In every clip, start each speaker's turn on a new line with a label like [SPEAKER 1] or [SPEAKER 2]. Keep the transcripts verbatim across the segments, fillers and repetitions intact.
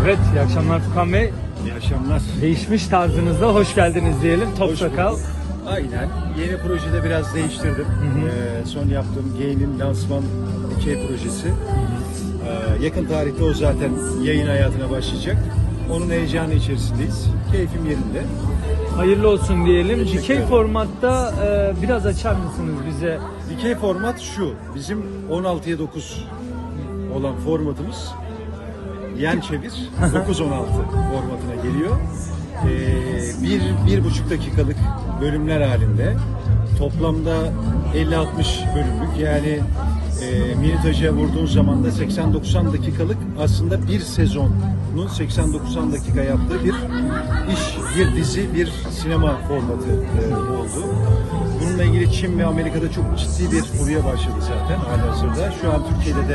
[SPEAKER 1] Evet, iyi akşamlar Furkan Bey.
[SPEAKER 2] İyi akşamlar.
[SPEAKER 1] Değişmiş tarzınızda hoş geldiniz diyelim. Top
[SPEAKER 2] Hoş
[SPEAKER 1] sakal.
[SPEAKER 2] bulduk. Aynen. Yeni projede biraz değiştirdim. Ee, son yaptığım Gain'in lansman dikey projesi. Ee, yakın tarihte o zaten yayın hayatına başlayacak. Onun heyecanı içerisindeyiz. Keyfim yerinde.
[SPEAKER 1] Hayırlı olsun diyelim.
[SPEAKER 2] Teşekkür
[SPEAKER 1] Dikey
[SPEAKER 2] ederim.
[SPEAKER 1] formatta e, biraz açar mısınız bize?
[SPEAKER 2] Dikey format şu. Bizim on altıya dokuz olan formatımız yan çevir dokuz on altı formatına geliyor. Ee, bir, bir buçuk dakikalık bölümler halinde toplamda elli altmış bölümlük, yani e, minutaja vurduğun zaman da seksen doksan dakikalık aslında bir sezonun seksen doksan dakika yaptığı bir iş, bir dizi, bir sinema formatı e, oldu. Bununla ilgili Çin ve Amerika'da çok ciddi bir furya başladı zaten halihazırda. Şu an Türkiye'de de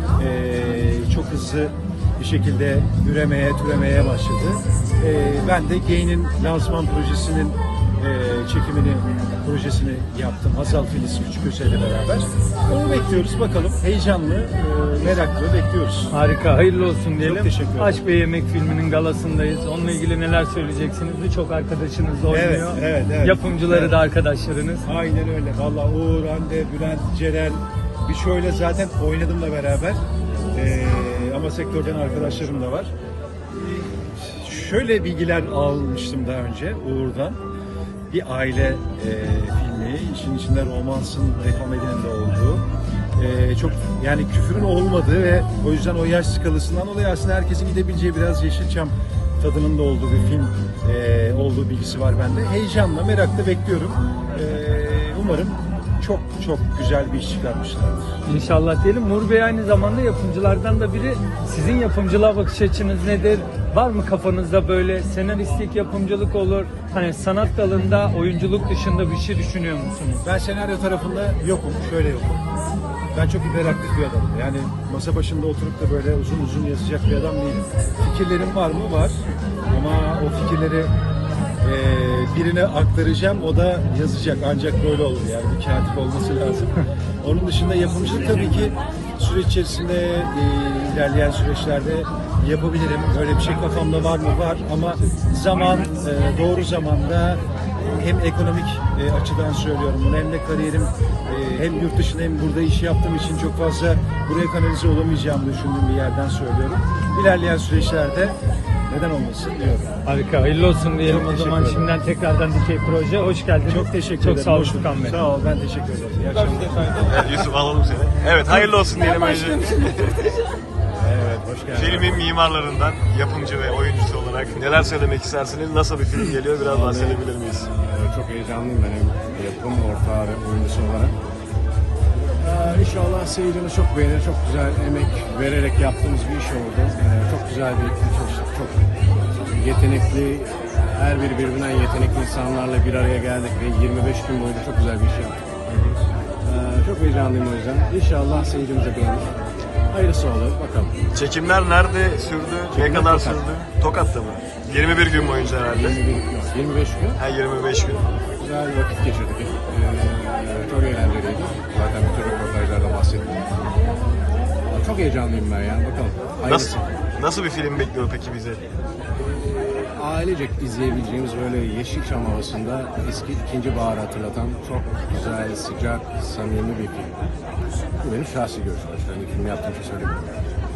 [SPEAKER 2] e, çok hızlı bir şekilde üremeye, türemeye başladı. Ee, ben de Gain'in lansman projesinin e, çekimini, projesini yaptım. Hazal Filiz Küçüköse ile beraber. Onu bekliyoruz bakalım. Heyecanlı, e, meraklı bekliyoruz.
[SPEAKER 1] Harika, hayırlı olsun diyelim.
[SPEAKER 2] Çok teşekkür ederim.
[SPEAKER 1] Aşk ve Yemek filminin galasındayız. Onunla ilgili neler söyleyeceksiniz? Birçok arkadaşınız oynuyor.
[SPEAKER 2] Evet, evet, evet.
[SPEAKER 1] Yapımcıları
[SPEAKER 2] Evet.
[SPEAKER 1] da arkadaşlarınız.
[SPEAKER 2] Aynen öyle. Vallahi Uğur, Hande, Bülent, Ceren, bir şöyle zaten oynadımla beraber. Ee, ama sektörden arkadaşlarım da var. Ee, şöyle bilgiler almıştım daha önce Uğur'dan. Bir aile e, filmi, işin içinde romansın ve komedinin de olduğu. Ee, çok yani küfürün olmadığı ve o yüzden o yaş skalasından dolayı aslında herkesin gidebileceği biraz Yeşilçam tadının da olduğu bir film e, olduğu bilgisi var bende. Heyecanla, merakla bekliyorum. Ee, umarım çok çok güzel bir iş çıkarmışlardır.
[SPEAKER 1] İnşallah diyelim. Nur Bey aynı zamanda yapımcılardan da biri. Sizin yapımcılığa bakış açınız nedir? Var mı kafanızda böyle senaristlik yapımcılık olur? Hani sanat dalında oyunculuk dışında bir şey düşünüyor musunuz?
[SPEAKER 2] Ben senaryo tarafında yokum, şöyle yokum. Ben çok hiperaktif bir adamım. Yani masa başında oturup da böyle uzun uzun yazacak bir adam değilim. Fikirlerim var mı? Var. Ama o fikirleri e, birine aktaracağım, o da yazacak. Ancak böyle olur yani, bir katip olması lazım. Onun dışında yapımcılık tabii ki süreç içerisinde, e, ilerleyen süreçlerde yapabilirim. Öyle bir şey kafamda var mı? Var. Ama zaman, e, doğru zamanda, hem ekonomik e, açıdan söylüyorum bunu, hem de kariyerim e, hem yurt dışında hem burada iş yaptığım için çok fazla buraya kanalize olamayacağımı düşündüğüm bir yerden söylüyorum. İlerleyen süreçlerde neden olmasın diyorum.
[SPEAKER 1] Harika, hayırlı olsun diyelim
[SPEAKER 2] Çok
[SPEAKER 1] o
[SPEAKER 2] teşekkür
[SPEAKER 1] zaman
[SPEAKER 2] ederim.
[SPEAKER 1] şimdiden tekrardan Dikey Proje. Hoş geldiniz.
[SPEAKER 2] Çok teşekkür
[SPEAKER 1] Çok
[SPEAKER 2] ederim.
[SPEAKER 1] sağ olun
[SPEAKER 2] Hoş bulduk.
[SPEAKER 1] Furkan Bey.
[SPEAKER 2] Sağ ol, ben teşekkür ederim. İyi akşamlar.
[SPEAKER 3] Evet, Yusuf alalım seni. Evet, hayırlı olsun diyelim önce.
[SPEAKER 2] Evet, hoş geldin.
[SPEAKER 3] Filmin mimarlarından, yapımcı ve oyuncusu olarak neler söylemek istersiniz? Nasıl bir film geliyor? Biraz bahsedebilir miyiz?
[SPEAKER 4] Ee, Çok heyecanlıyım ben hem yapım ortağı ve oyuncusu olarak. Ee, İnşallah seyircimiz çok beğenir. Çok güzel emek vererek yaptığımız bir iş oldu. Ee, Çok güzel bir ekip çalıştık. Çok yetenekli, her biri birbirinden yetenekli insanlarla bir araya geldik ve yirmi beş gün boyunca çok güzel bir iş yaptık. Ee, Çok heyecanlıyım o yüzden. İnşallah seyircimiz de beğenir. Hayırlısı olur. Bakalım.
[SPEAKER 3] Çekimler nerede sürdü? Ne kadar
[SPEAKER 4] Tokat.
[SPEAKER 3] sürdü? Tokat'ta mı? yirmi bir gün boyunca herhalde.
[SPEAKER 4] yirmi bir, yok, yirmi beş gün.
[SPEAKER 3] Ha, yirmi beş gün.
[SPEAKER 4] Güzel bir vakit geçirdik. Ee, çok eğlenceliydi. Zaten bütün röportajlarda bahsettim. Çok heyecanlıyım ben ya. Bakalım. Hayırlısı.
[SPEAKER 3] Nasıl, nasıl bir film bekliyor peki bize?
[SPEAKER 4] Ailecek izleyebileceğimiz böyle Yeşilçam havasında eski ikinci Bahar'ı hatırlatan çok güzel, sıcak, samimi bir film. Bu benim şahsi görüşüm. Yani film yaptığım için söylemiyorum.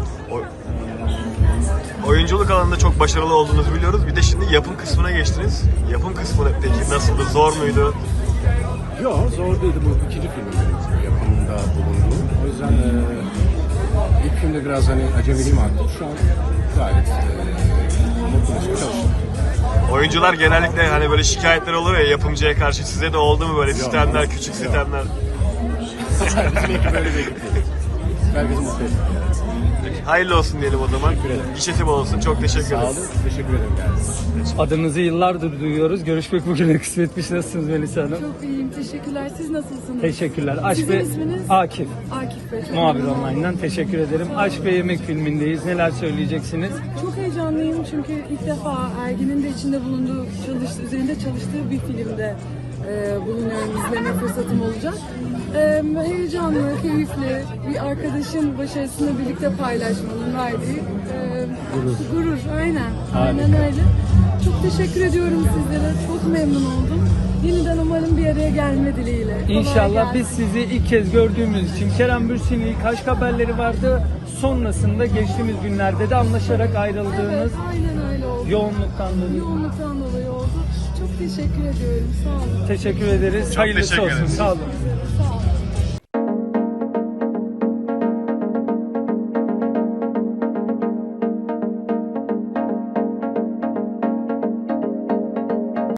[SPEAKER 3] O, oyunculuk alanında çok başarılı olduğunuzu biliyoruz. Bir de şimdi yapım kısmına geçtiniz. Yapım kısmı peki nasıldı? Zor muydu?
[SPEAKER 4] Yok, zor değildi. Bu ikinci filmim benim yapımında bulunduğum. O yüzden e, ilk filmde biraz hani acemiliğim arttı. Şu an gayet e, mutlu bir çalıştım.
[SPEAKER 3] Oyuncular genellikle hani böyle şikayetler olur ya yapımcıya karşı, size de oldu mu böyle sistemler,
[SPEAKER 4] Yok.
[SPEAKER 3] küçük
[SPEAKER 4] Yok.
[SPEAKER 3] sistemler?
[SPEAKER 4] Bizim ekip öyle bir ekip değil. Herkesi mutlu ettik.
[SPEAKER 3] Hayırlı olsun diyelim o zaman.
[SPEAKER 4] Teşekkür ederim.
[SPEAKER 3] Gişesi bol olsun. Çok teşekkür
[SPEAKER 4] Sağ
[SPEAKER 3] ederim.
[SPEAKER 4] olun. Teşekkür ederim. Yani.
[SPEAKER 1] Adınızı yıllardır duyuyoruz. Görüşmek bugüne kısmetmiş. Nasılsınız Melisa Hanım?
[SPEAKER 5] Çok iyiyim, teşekkürler. Siz nasılsınız?
[SPEAKER 1] Teşekkürler. Aşk
[SPEAKER 5] Sizin
[SPEAKER 1] ve
[SPEAKER 5] isminiz?
[SPEAKER 1] Akif.
[SPEAKER 5] Akif Bey. Çok
[SPEAKER 1] Muhabir
[SPEAKER 5] memnun oldum.
[SPEAKER 1] Online'dan teşekkür ederim. Aşk ve Yemek filmindeyiz. Neler söyleyeceksiniz?
[SPEAKER 5] Çok heyecanlıyım çünkü ilk defa Ergin'in de içinde bulunduğu, çalış, üzerinde çalıştığı bir filmde e, bulunuyorum, izleme fırsatım olacak. E, heyecanlı, keyifli, bir arkadaşın başarısını birlikte paylaşmanın verdiği e,
[SPEAKER 1] Gurur.
[SPEAKER 5] gurur. Aynen,
[SPEAKER 1] Harika.
[SPEAKER 5] aynen öyle. Çok teşekkür ediyorum sizlere, çok memnun oldum. Yeniden umarım bir araya gelme dileğiyle. Kolay
[SPEAKER 1] İnşallah
[SPEAKER 5] gelsin.
[SPEAKER 1] biz sizi ilk kez gördüğümüz için Kerem Bürsin'in ilk aşk haberleri vardı. Sonrasında geçtiğimiz günlerde de anlaşarak ayrıldığınız
[SPEAKER 5] Evet, aynen öyle oldu.
[SPEAKER 1] yoğunluktan dolayı.
[SPEAKER 5] Yoğunluktan dolayı oldu. Çok teşekkür ediyorum. Sağ olun.
[SPEAKER 1] Teşekkür ederiz.
[SPEAKER 3] Çok
[SPEAKER 1] Hayırlısı
[SPEAKER 3] teşekkür
[SPEAKER 1] olsun.
[SPEAKER 3] ederiz.
[SPEAKER 1] Sağ olun.
[SPEAKER 5] Sağ olun.